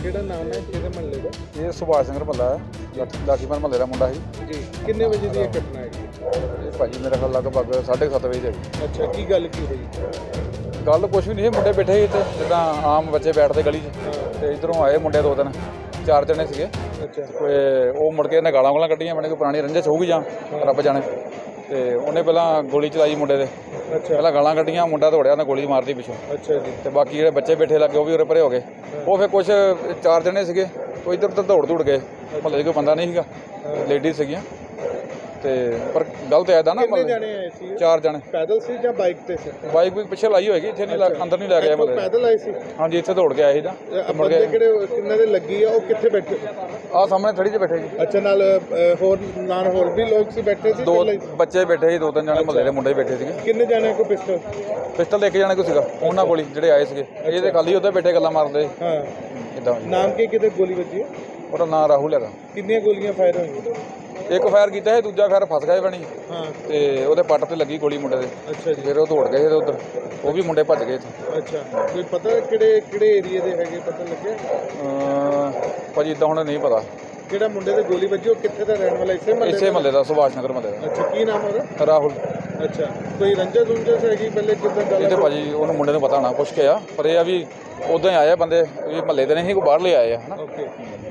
ਕਿਹੜਾ ਨਾਮ ਹੈ ਕਿਹਦੇ ਮਹੱਲੇ ਦਾ? ਇਹ ਸੁਭਾਸ਼ ਸਿੰਘ ਭੱਲਾ ਹੈ, ਲਾਠੀਪੁਰ ਮਹੱਲੇ ਦਾ ਮੁੰਡਾ ਸੀ ਜੀ ਕਿੰਨੇ ਵਜੇ ਦੀ ਇਹ ਘਟਨਾ ਹੈ? ਇਹ ਭਾਜੀ ਮੇਰੇ ਖਿਆਲ ਲਗਭਗ 7:30 ਵਜੇ ਦੀ ਹੈਗੀ। ਅੱਛਾ, ਕੀ ਗੱਲ ਕੀ ਹੋਈ? ਗੱਲ ਕੁਛ ਵੀ ਨਹੀਂ ਸੀ, ਮੁੰਡੇ ਬੈਠੇ ਸੀ ਇੱਥੇ ਜਿੱਦਾਂ ਆਮ ਬੱਚੇ ਬੈਠਦੇ ਗਲੀ 'ਚ, ਤੇ ਇੱਧਰੋਂ ਆਏ ਮੁੰਡੇ 2-3 4 ਜਣੇ ਸੀਗੇ। ਅੱਛਾ, ਤੇ ਉਹ ਮੁੜ ਕੇ ਇਹਨੇ ਗਾਲਾਂ ਕੱਢੀਆਂ, ਮੈਨੇ ਕੋਈ ਪੁਰਾਣੀ ਰੰਜਿਸ਼ ਹੋਊਗੀ ਜਾਂ ਰੱਬ ਜਾਣੇ। ਤੇ ਉਹਨੇ ਪਹਿਲਾਂ ਗੋਲੀ ਚਲਾਈ ਮੁੰਡੇ ਦੇ, ਅੱਛਾ, ਪਹਿਲਾਂ ਗਾਲਾਂ ਕੱਢੀਆਂ, ਮੁੰਡਾ ਦੌੜਿਆ, ਉਹਨੇ ਗੋਲੀ ਮਾਰਤੀ ਪਿੱਛੋਂ। ਅੱਛਾ ਜੀ। ਤੇ ਬਾਕੀ ਜਿਹੜੇ ਬੱਚੇ ਬੈਠੇ ਲੱਗੇ ਉਹ ਵੀ ਉਰੇ ਪਰੇ ਹੋ ਗਏ। ਉਹ ਫਿਰ ਕੁਛ 4 ਜਣੇ ਸੀਗੇ, ਉਹ ਇੱਧਰ ਉੱਧਰ ਦੌੜ ਗਏ। ਮਹੱਲੇ 'ਚ ਕੋਈ ਬੰਦਾ ਨਹੀਂ ਸੀਗਾ, ਲੇਡੀਜ਼ ਸੀਗੀਆਂ। ਤੇ ਪਰ ਗਲਤ ਐਦਾ ਨਾ, ਕਿੰਨੇ ਜਣੇ ਆਏ ਸੀ? 4 ਜਣੇ। ਪੈਦਲ ਸੀ ਜਾਂ ਬਾਈਕ ਤੇ ਸੀ? ਬਾਈਕ ਵੀ ਪਿੱਛੇ ਲਾਈ ਹੋਏਗੀ, ਇੱਥੇ ਨਹੀਂ ਅੰਦਰ ਨਹੀਂ ਲੈ ਗਿਆ ਮਹੱਲੇ। ਪੈਦਲ ਆਏ ਸੀ? ਹਾਂਜੀ, ਇੱਥੇ ਦੌੜ ਕੇ ਆਏ ਸੀ ਨਾ। ਬੰਦੇ ਕਿਹੜੇ ਕਿੰਨੇ ਦੇ ਲੱਗੀ ਆ, ਉਹ ਕਿੱਥੇ ਬੈਠੇ? ਆਹ ਸਾਹਮਣੇ ਥੜੀ 'ਚ ਬੈਠੇ ਜੀ। ਅੱਛਾ, ਨਾਲ ਹੋਰ ਵੀ ਲੋਕ ਸੀ ਬੈਠੇ ਸੀ? 2 ਬੱਚੇ ਬੈਠੇ ਸੀ, 2-3 ਜਣੇ ਮਹੱਲੇ ਦੇ ਮੁੰਡੇ ਬੈਠੇ ਸੀਗੇ। ਕਿੰਨੇ ਜਣੇ ਕੋ ਪਿਸਟਲ? ਪਿਸਟਲ 1 ਜਣੇ ਕੋ ਸੀਗਾ ਉਹਨਾਂ ਕੋਲ, ਜਿਹੜੇ ਆਏ ਸੀਗੇ। ਇਹ ਤੇ ਖਾਲੀ ਉੱਧਰ ਬੈਠੇ ਗੱਲਾਂ ਮਾਰਦੇ। ਹਾਂ, ਇਦਾਂ ਨਾਮ ਕੀ ਕਿਤੇ ਗੋਲੀ ਵੱਜੀ? ਉਹਦਾ ਨਾਂ ਰਾਹੁਲ ਹੈਗਾ। ਕਿੰਨੀਆਂ ਗੋਲੀਆਂ ਫਾਇਰ ਹੋਈਆਂ? 1 ਫਾਇਰ ਕੀਤਾ ਹੈ, ਦੂਜਾ ਫਾਇਰ ਫਸ ਗਿਆ ਬਣੀ। ਹਾਂ, ਤੇ ਉਹਦੇ ਪੱਟ ਤੇ ਲੱਗੀ ਗੋਲੀ ਮੁੰਡੇ ਦੇ। ਅੱਛਾ ਜੀ। ਫਿਰ ਉਹ ਦੌੜ ਗਏ ਉੱਧਰ, ਉਹ ਵੀ ਮੁੰਡੇ ਭੱਜ ਗਏ ਇੱਥੇ। ਅੱਛਾ, ਕੋਈ ਪਤਾ ਕਿਹੜੇ ਏਰੀਆ ਦੇ ਹੈਗੇ, ਪਤਾ ਲੱਗਿਆ? ਭਾਜੀ ਇੱਦਾਂ ਹੁਣ ਨਹੀਂ ਪਤਾ। ਜਿਹੜਾ ਮੁੰਡੇ ਦੇ ਗੋਲੀ ਵੱਜੀ ਉਹ ਕਿੱਥੇ ਦਾ ਰਹਿਣ ਵਾਲਾ? ਇਸੇ ਮਹੱਲੇ ਦਾ, ਸੁਭਾਸ਼ ਨਗਰ ਮਹੱਲੇ ਦਾ। ਅੱਛਾ, ਕੀ ਨਾਮ ਉਹਦਾ? ਰਾਹੁਲ। ਅੱਛਾ, ਕੋਈ ਰੰਜਸ ਹੈਗੀ ਪਹਿਲੇ ਕਿੱਦਾਂ ਗੱਲ? ਇਹ ਤੇ ਭਾਜੀ ਉਹਨੂੰ ਮੁੰਡੇ ਨੂੰ ਪਤਾ ਹੋਣਾ, ਪੁੱਛ ਕੇ ਆ। ਪਰ ਇਹ ਆ ਵੀ ਉਦਾਂ ਹੀ ਆਏ ਬੰਦੇ, ਵੀ ਮਹੱਲੇ ਦੇ ਨਹੀਂ, ਕੋਈ ਬਾਹਰਲੇ ਆਏ ਆ ਹਨਾ। ਓਕੇ,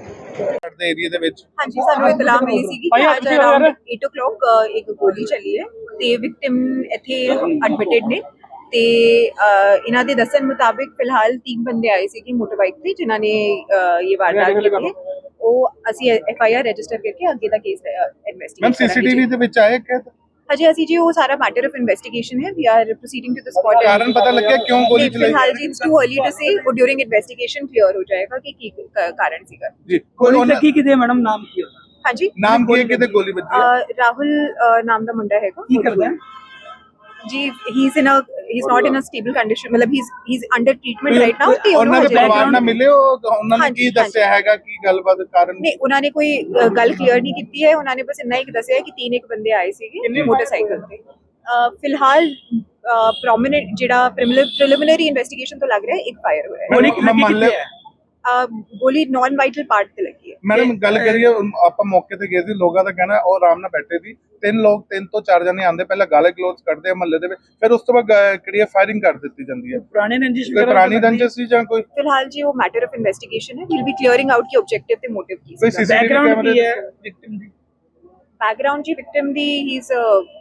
ਦੇ ਏਰੀਆ ਦੇ ਵਿੱਚ ਹਾਂਜੀ, ਸਾਨੂੰ ਇਤਲਾਹ ਮਿਲੀ ਸੀ ਕਿ ਅੱਜ ਅਰਾਊਂਡ 8 o'clock ਇੱਕ ਗੋਲੀ ਚੱਲੀ ਹੈ ਤੇ ਵਿਕਟਿਮ ਇੱਥੇ ਐਡਮਿਟਡ ਨੇ। ਤੇ ਇਹਨਾਂ ਦੇ ਦੱਸਣ ਮੁਤਾਬਿਕ ਫਿਲਹਾਲ 3 ਬੰਦੇ ਆਏ ਸੀ ਕਿ ਮੋਟਰਬਾਈਕ ਤੇ, ਜਿਨ੍ਹਾਂ ਨੇ ਇਹ ਵਾਰਦਾਤ ਕੀਤੀ ਹੈ। ਉਹ ਅਸੀਂ FIR ਰਜਿਸਟਰ ਕਰਕੇ ਅੱਗੇ ਦਾ ਕੇਸ ਇਨਵੈਸਟੀਗੇਟ ਮੈਮ ਸੀਸੀਟੀਵੀ ਦੇ ਵਿੱਚ ਆਏ ਕਿ ਹਜੇ ਅਸੀਂ ਜੀ ਉਹ ਸਾਰਾ ਮੈਟਰ ਆਫ ਇਨਵੈਸਟੀਗੇਸ਼ਨ ਹੈ। We are proceeding to the spot. ਕਾਰਨ ਪਤਾ ਲੱਗਿਆ ਕਿਉਂ ਗੋਲੀ ਚਲਾਈ? ਫਿਲਹਾਲ ਜੀ it's too early to say, ਉਹ ਡਿਊਰਿੰਗ ਇਨਵੈਸਟੀਗੇਸ਼ਨ ਕਲੀਅਰ ਹੋ ਜਾਏਗਾ ਕਿ ਕੀ ਕਾਰਨ ਸੀਗਾ ਜੀ। ਗੋਲੀ ਲੱਗੀ ਕਿਤੇ ਮੈਡਮ, ਨਾਮ ਕੀ ਹੈ? ਹਾਂਜੀ, ਨਾਮ ਕੀ ਹੈ, ਕਿਤੇ ਗੋਲੀ ਵੱਜੀ ਹੈ? ਰਾਹੁਲ ਨਾਮ ਦਾ ਮੁੰਡਾ ਹੈਗਾ। ਕੀ ਕਰਦਾ ਹੈ ਜੀ? He is not in a stable condition, ਮਤਲਬ he is under treatment right now. ਤੇ ਉਹਨਾਂ ਦੇ ਪਰਿਵਾਰ ਨਾਲ ਮਿਲੇ ਹੋ? ਉਹਨਾਂ ਨੇ ਕੀ ਦੱਸਿਆ ਹੈਗਾ, ਕੀ ਗੱਲਬਾਤ ਕਾਰਨ? ਨਹੀਂ, ਉਹਨਾਂ ਨੇ ਕੋਈ ਗੱਲ ਕਲੀਅਰ ਨਹੀਂ ਕੀਤੀ ਹੈ। ਉਹਨਾਂ ਨੇ ਬਸ ਇੰਨਾ ਹੀ ਦੱਸਿਆ ਕਿ 3 ਬੰਦੇ ਆਏ ਸੀਗੇ ਮੋਟਰਸਾਈਕਲ ਤੇ। ਫਿਲਹਾਲ ਪ੍ਰੋਮਿਨੈਂਟ ਜਿਹੜਾ ਪ੍ਰੀਲਿਮਿਨਰੀ ਇਨਵੈਸਟੀਗੇਸ਼ਨ ਤੋਂ ਲੱਗ ਰਿਹਾ ਹੈ 1 ਫਾਇਰ ਹੋਇਆ ਹੈ। ਗੋਲੀ ਲੱਗੀ ਕਿੱਥੇ ਹੈ? ਗੋਲੀ ਨਾਨ ਵਾਈਟਲ ਪਾਰਟ ਤੇ ਲੱਗੀ ਹੈ। ਮੈਡਮ ਗੱਲ ਕਰੀਏ, ਆਪਾਂ ਮੌਕੇ ਤੇ ਗਏ ਸੀ, ਲੋਕਾਂ ਦਾ ਕਹਿਣਾ ਉਹ ਆਰਾਮ ਨਾਲ ਬੈਠੇ ਸੀ। 3 ਤੋਂ 4 ਜਣੇ ਆਂਦੇ, ਪਹਿਲਾਂ ਗਾਲੇ ਗਲੋਚ ਕੱਢਦੇ ਆ ਮਹੱਲੇ ਦੇ ਵਿੱਚ, ਫਿਰ ਉਸ ਤੋਂ ਬਾਅਦ ਕਿਹੜੀ ਫਾਇਰਿੰਗ ਕਰ ਦਿੱਤੀ ਜਾਂਦੀ ਹੈ। ਪੁਰਾਣੇ ਰੰਜਿਸ਼ ਕੋਈ ਪੁਰਾਣੀ ਰੰਜਿਸ਼ ਸੀ ਜਾਂ ਕੋਈ? ਫਿਲਹਾਲ ਜੀ ਉਹ ਮੈਟਰ ਆਫ ਇਨਵੈਸਟੀਗੇਸ਼ਨ ਹੈ। ਵੀਲ ਬੀ ਕਲੀਅਰਿੰਗ ਆਊਟ ਕਿ ਆਬਜੈਕਟਿਵ ਤੇ ਮੋਟਿਵ ਕੀ ਕੋਈ ਸੀ। ਬੈਕਗ੍ਰਾਉਂਡ ਕੀ ਹੈ ਵਿਕਟਿਮ ਦੀ? ਬੈਕਗ੍ਰਾਉਂਡ ਜੀ ਵਿਕਟਿਮ ਦੀ ਹੀ ਇਜ਼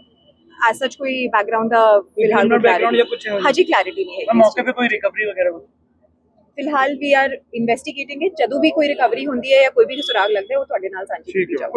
ਐਸ ਸੱਚ ਕੋਈ ਬੈਕਗ੍ਰਾਉਂਡ ਦਾ ਫਿਲਹਾਲ ਬੈਕਗ੍ਰਾਉਂਡ ਜਾਂ ਕੁਝ ਹਾਜੀ ਕਲੈਰਿਟੀ ਨਹੀਂ ਹੈ। ਮੌਕੇ ਤੇ ਕੋਈ ਰਿਕਵਰੀ ਵਗੈਰਾ? ਫਿਲਹਾਲ ਵੀ ਆਰ ਇਨਵੈਸਟੀਗੇਟਿੰਗ ਇਟ। ਜਦੋਂ ਵੀ ਕੋਈ ਰਿਕਵਰੀ ਹੁੰਦੀ ਹੈ ਜਾਂ ਕੋਈ ਵੀ ਸੁਰਾਗ ਲੱਗਦਾ ਹੈ ਉਹ ਤੁਹਾਡੇ ਨਾਲ ਸਾਂਝੀ ਕੀਤੀ ਜਾਊਗੀ।